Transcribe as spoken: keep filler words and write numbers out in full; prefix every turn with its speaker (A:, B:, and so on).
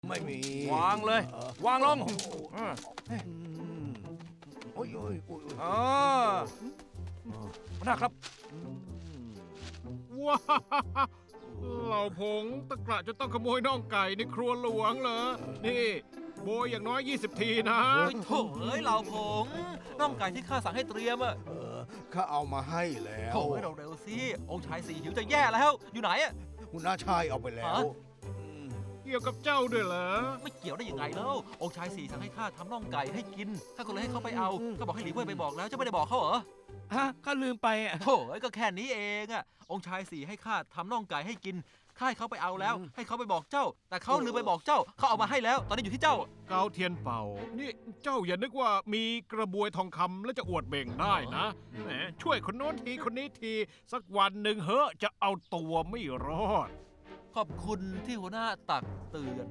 A: ไม่มี
B: วางเลย วางลงอ่า
A: โอ้ยโอ้ยโอ้ย
B: อ่าหัวหน้าครับ
C: ว้าเหล่าผงตะกระจะต้องขโมยน่องไก่ในครัวหลวงเหรอ นี่โบยอย่างน้อย ยี่สิบ ทีนะ
D: เฮ้ยโถ่เอ้ยเหล่าผงน่องไก่ที่ข้าสั่งให้เตรียมอะ
A: เออข้าเอามาให้แล้ว
D: โถ่เอ้ยเร็วๆสิองค์ชายสี่หิวจะแย่แล้วอยู่ไหนอะ
A: คุณน้าชายเอาไปแล้ว
D: ฮะ
A: อืม
C: เกี่ยวกับเจ้าด้วยเหรอ
D: ไม่เกี่ยวได้ยังไงแล้วองค์ชายสี่สั่งให้ข้าทำน่องไก่ให้กินข้าก็เลยให้เขาไปเอาก็บอกให้หลีเว่ยไปบอกแล้วเจะไม่ได้บอกเขาเหรอ
B: ฮะข้าลืมไปอ่ะ
D: โถ่เอ้ยก็แค่นี้เองอะองค์ชายสี่ให้ข้าทำน่องไก่ให้กินข้าให้เขาไปเอาแล้ว ให้เขาไปบอกเจ้า แต่เขาลืมไปบอกเจ้าเขาเอามาให้แล้ว ตอนนี้อยู่ที่เจ้า
C: เกาเทียนเป่า นี่เจ้าอย่านึกว่ามีกระบวยทองคำแล้วจะอวดเบ่งได้นะแหมช่วยคนโน้นทีคนนี้ที สักวันหนึ่งเฮ้อะจะเอาตัวไม่รอด
D: ขอบคุณที่หัวหน้าตักเตือน